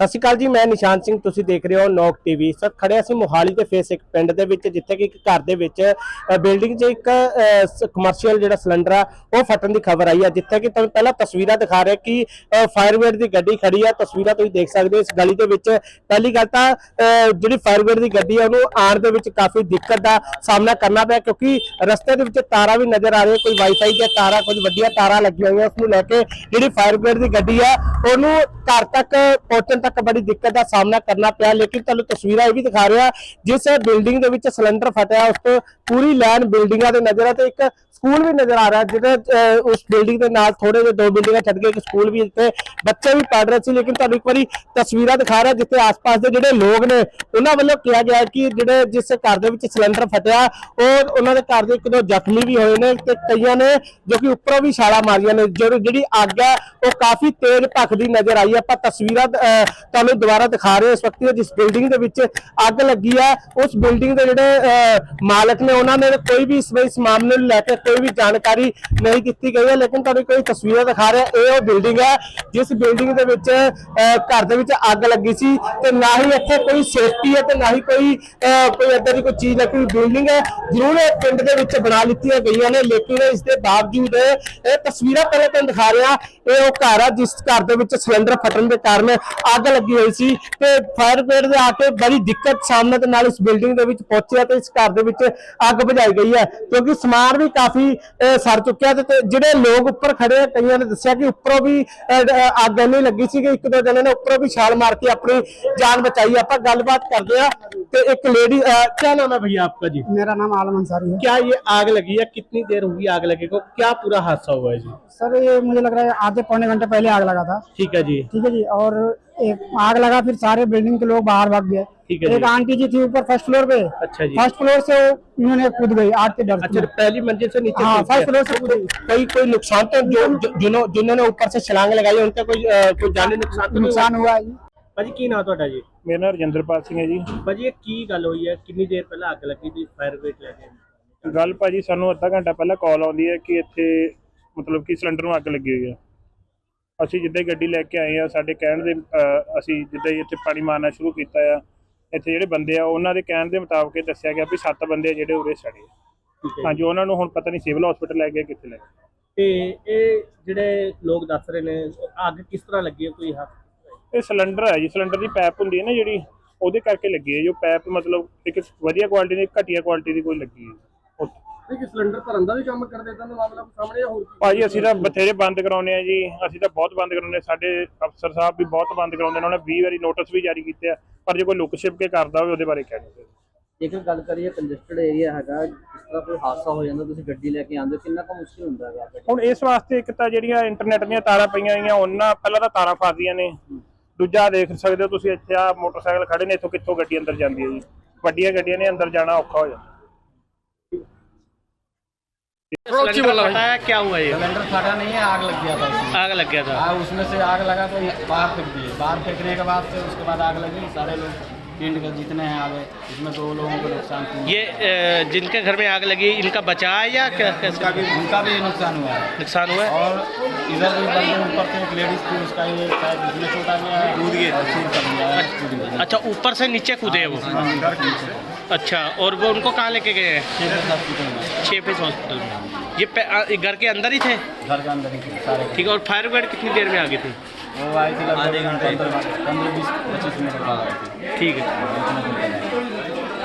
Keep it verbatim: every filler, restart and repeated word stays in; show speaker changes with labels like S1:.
S1: ਸਤਿ ਸ਼੍ਰੀ ਅਕਾਲ जी, मैं निशान सिंह, तुसी देख रहे हो नोक टीवी। सर खड़े असीं मोहाली के फेस एक पिंड दे विच जिथे कि एक घर दे विच बिल्डिंग च एक कमर्शियल जिहड़ा सिलेंडर आ वो फटन की खबर आई है, जिथे कि तुहानूं पहला तस्वीरां दिखा रहे कि फायर ब्रिगेड की गड्डी खड़ी है। तस्वीरां तुसीं देख सकदे हो इस गली दे विच। पहली गल तां जिहड़ी फायर ब्रिगेड की गड्डी है उहनूं आउण दे विच काफ़ी दिक्कत का सामना करना पिया, क्योंकि रस्ते दे विच तारां भी नज़र आ रही, कोई वाईफाई दी तारां, कुछ वड्डियां तारां लगियां होईयां, उसनूं लैके जिहड़ी फायर ब्रिगेड की गड्डी है उहनूं घर तक पहुंचण तक बड़ी दिक्कत का सामना करना पिया। लेकिन तुहानूं तस्वीरां भी दिखा रहे हैं, जिस बिल्डिंग दे विच सिलेंडर फटिया उस तो पूरी लाइन बिल्डिंगां दे नज़र है, तो एक स्कूल भी नज़र आ रहा है जिहदे उस बिल्डिंग के नाल थोड़े जे दो बिल्डिंगां छड्ड के एक स्कूल भी, जिथे बच्चे भी पढ़ रहे थे। लेकिन तुहानूं एक बारी तस्वीरां दिखा रहा जिथे आस पास के जिहड़े लोग ने उन्हां वल्लों कहा गया कि जिहड़े जिस घर दे विच सिलेंडर फटिया और उन्हां दे घर दे एक दो जख्मी भी होए ने, ते कईयां ने जो कि उपरों भी छाला मारियां ने। जो जिहड़ी अग है वो काफ़ी तेज भखदी नज़र आई है। आपां तस्वीरां तुहानूं दोबारा दिखा रहे इस वक्त जिस बिल्डिंग दे विच अग लगी है, उस बिल्डिंग के जिहड़े मालक ने उन्होंने कोई भी इस इस मामले को लैके कोई भी जानकारी नहीं दी गई है। लेकिन तुहानूं कोई तस्वीरें दिखा रहे ये बिल्डिंग है जिस बिल्डिंग के विच घर दे विच अग लगी सी, ते ना ही इत्थे कोई सेफ्टी है ते ना ही कोई कोई इदां दी कोई चीज़ लगी हुई बिल्डिंग है। जरूर पिंड दे विच बना लित्तियां गईयां ने, लेकिन इसके बावजूद ये तस्वीरां पहले तुहानूं दिखा रहे हैं ये वो घर है जिस घर दे विच सिलेंडर फटन के कारण अग लगी हुई सी, ते फायर ब्रिगेड दे आके बड़ी दिक्कत सामने दे नाल इस बिल्डिंग दे विच पहुंचे ते इस घर दे विच अग बुझाई गई है, क्योंकि समान भी काफी सड़ चुका है। ते जिहड़े लोग उपर खड़े हैं कईयां ने दस्सिया कि उपरों भी अग नहीं लगी सी कि एक दो जने ने उपरों भी छाल मार के अपनी जान बचाई। आपां गलबात करदे आ ते एक लेडी, क्या नाम है भैया आपका जी?
S2: मेरा नाम आलम अंसारी है।
S1: क्या ये आग लगी है? कितनी देर होगी आग लगे को? क्या पूरा हादसा हुआ है जी?
S2: सर ये मुझे लग रहा है आधे पौने घंटे पहले आग लगा था।
S1: ठीक है जी।
S2: ठीक है जी। और एक आग लगा, फिर सारे बिल्डिंग के लोग बाहर भाग गए।
S1: ठीक है।
S2: एक आंटी जी थी ऊपर फर्स्ट फ्लोर पे।
S1: अच्छा जी।
S2: फर्स्ट फ्लोर से उन्होंने कूद गई आग के डर से।
S1: अच्छा, पहली मंजिल से नीचे?
S2: हाँ, फर्स्ट फ्लोर से कूदी।
S1: कोई कोई नुकसान तो जो जिन्हों जिन्होंने ऊपर से छलांग लगाई उनका कोई कोई जानी नुकसान
S2: नुकसान हुआ है?
S1: भाजी की नाम ਤੁਹਾਡਾ ਜੀ?
S3: मेरा नाम रजिंदरपाल सिंह है जी।
S1: भाजी ਇਹ ਕੀ ਗੱਲ ਹੋਈ ਹੈ? ਕਿੰਨੀ ਦੇਰ ਪਹਿਲਾਂ ਅੱਗ ਲੱਗੀ ਸੀ ਫਾਇਰ ਬ੍ਰਿਗੇਡ ਲੈ ਕੇ?
S3: ਗੱਲ ਭਾਜੀ ਸਾਨੂੰ ਅੱਧਾ ਘੰਟਾ ਪਹਿਲਾਂ ਕਾਲ ਆਉਂਦੀ ਹੈ ਕਿ ਇੱਥੇ ਮਤਲਬ ਕਿ ਸਿਲੰਡਰ ਨੂੰ ਅੱਗ ਲੱਗੀ ਹੋਈ ਹੈ। ਅਸੀਂ ਜਿੱਦਾਂ ਹੀ ਗੱਡੀ ਲੈ ਕੇ ਆਏ ਆ, ਸਾਡੇ ਕਹਿਣ ਦੇ ਅਸੀਂ ਜਿੱਦਾਂ ਹੀ ਇੱਥੇ ਪਾਣੀ ਮਾਰਨਾ ਸ਼ੁਰੂ ਕੀਤਾ ਆ, ਇੱਥੇ ਜਿਹੜੇ ਬੰਦੇ ਆ ਉਹਨਾਂ ਦੇ ਕਹਿਣ ਦੇ ਮੁਤਾਬਕ ਇਹ ਦੱਸਿਆ ਗਿਆ ਵੀ ਸੱਤ ਬੰਦੇ ਜਿਹੜੇ ਉਰੇ ਸੜੇ। ਹਾਂਜੀ, ਉਹਨਾਂ ਨੂੰ ਹੁਣ ਪਤਾ ਨਹੀਂ ਸਿਵਲ ਹਸਪੀਟਲ ਲੈ ਗਏ ਕਿੱਥੇ ਲੈ ਗਏ।
S1: ਤੇ ਇਹ ਜਿਹੜੇ ਲੋਕ ਦੱਸ ਰਹੇ ਨੇ ਅੱਗ ਕਿਸ ਤਰ੍ਹਾਂ ਲੱਗੀ ਹੈ? ਕੋਈ ਹੱਥ
S3: ਇਹ ਸਿਲੰਡਰ ਹੈ ਜੀ, ਸਿਲੰਡਰ ਦੀ ਪਾਈਪ ਹੁੰਦੀ ਹੈ ਨਾ ਜਿਹੜੀ, ਉਹਦੇ ਕਰਕੇ ਲੱਗੀ ਹੈ। ਜੋ ਪਾਈਪ ਮਤਲਬ ਇੱਕ ਵਧੀਆ ਕੁਆਲਿਟੀ ਦੀ, ਘਟੀਆ ਕੁਆਲਿਟੀ ਦੀ ਕੋਈ ਲੱਗੀ ਹੈ।
S1: ਕਿ ਸਿਲੰਡਰ ਭਰਨ ਦਾ ਵੀ ਕੰਮ ਕਰਦੇ ਤਾਂ ਮਾਮਲਾ ਸਾਹਮਣੇ ਹੋਰ
S3: ਭਾਜੀ ਅਸੀਂ ਤਾਂ ਬਥੇਰੇ ਬੰਦ ਕਰਾਉਂਦੇ ਆ ਜੀ, ਅਸੀਂ ਤਾਂ ਬਹੁਤ ਬੰਦ ਕਰਾਉਂਦੇ। ਸਾਡੇ ਅਫਸਰ ਸਾਹਿਬ ਵੀ ਬਹੁਤ ਬੰਦ ਕਰਾਉਂਦੇ ਨੇ, ਉਹਨਾਂ ਨੇ ਵੀਹ ਵਾਰੀ ਨੋਟਿਸ ਵੀ ਜਾਰੀ ਕੀਤੇ ਆ, ਪਰ ਜੇ ਕੋਈ ਲੁੱਕ ਛਿਪ ਕੇ ਕਰਦਾ ਹੋਵੇ ਉਹਦੇ ਬਾਰੇ ਕਹਿਣਾ।
S4: ਜੇਕਰ ਗੱਲ ਕਰੀਏ ਕੰਜਸਟਡ ਏਰੀਆ ਹੈਗਾ, ਜਿਸ ਤਰ੍ਹਾਂ ਕੋਈ ਹਾਦਸਾ ਹੋ ਜਾਂਦਾ ਤੁਸੀਂ ਗੱਡੀ ਲੈ ਕੇ ਆਉਂਦੇ ਹੋ, ਕਿੰਨਾ ਕੁ ਮੁਸ਼ਕਿਲ ਹੁੰਦਾ ਹੈ?
S3: ਹੁਣ ਇਸ ਵਾਸਤੇ ਇੱਕ ਤਾਂ ਜਿਹੜੀਆਂ ਇੰਟਰਨੈਟ ਦੀਆਂ ਤਾਰਾਂ ਪਈਆਂ ਹੋਈਆਂ ਉਹਨਾਂ ਪਹਿਲਾਂ ਤਾਂ ਤਾਰਾਂ ਫਸਦੀਆਂ ਨੇ, ਦੂਜਾ ਦੇਖ ਸਕਦੇ ਹੋ ਤੁਸੀਂ ਇੱਥੇ ਆ ਮੋਟਰਸਾਈਕਲ ਖੜੇ ਨੇ, ਇੱਥੋਂ ਕਿੱਥੋਂ ਗੱਡੀ ਅੰਦਰ ਜਾਂਦੀ ਹੈ ਜੀ। ਵੱਡੀਆਂ ਗੱਡੀਆਂ ਨੇ ਅੰਦਰ जाना औखा हो जाता।
S1: बताया क्या हुआ? ये
S5: सिलेंडर फटा नहीं है, आग लग गया था उसमें।
S1: आग लग गया था?
S5: हाँ, उसमें से आग लगा तो बाहर फेंक दिए। बाहर फेंकने के बाद से उसके बाद आग लगी, सारे लोग पिंड के जितने हैं आगे, इसमें दो लोगों को नुकसान हुआ।
S1: ये जिनके घर में आग लगी इनका बचा है या क्या?
S5: उनका भी उनका भी नुकसान हुआ है।
S1: नुकसान हुआ है।
S5: और इधर भी बंदे ऊपर से एक लेडीज थी, उसका ये शायद इसमें छोटा गया, कूद गए।
S1: अच्छा, ऊपर से नीचे कूदे वो? अच्छा, और वो उनको कहाँ लेके गए हैं? छः फीस हॉस्पिटल में। ये घर के अंदर ही थे?
S5: घर के अंदर ही थे सारे।
S1: ठीक है। और फायर ब्रिगेड कितनी देर में आ गई थी?
S5: वो आई थी आधे घंटे, पंद्रह बीस पच्चीस मिनट बाद आई थी।
S1: ठीक है।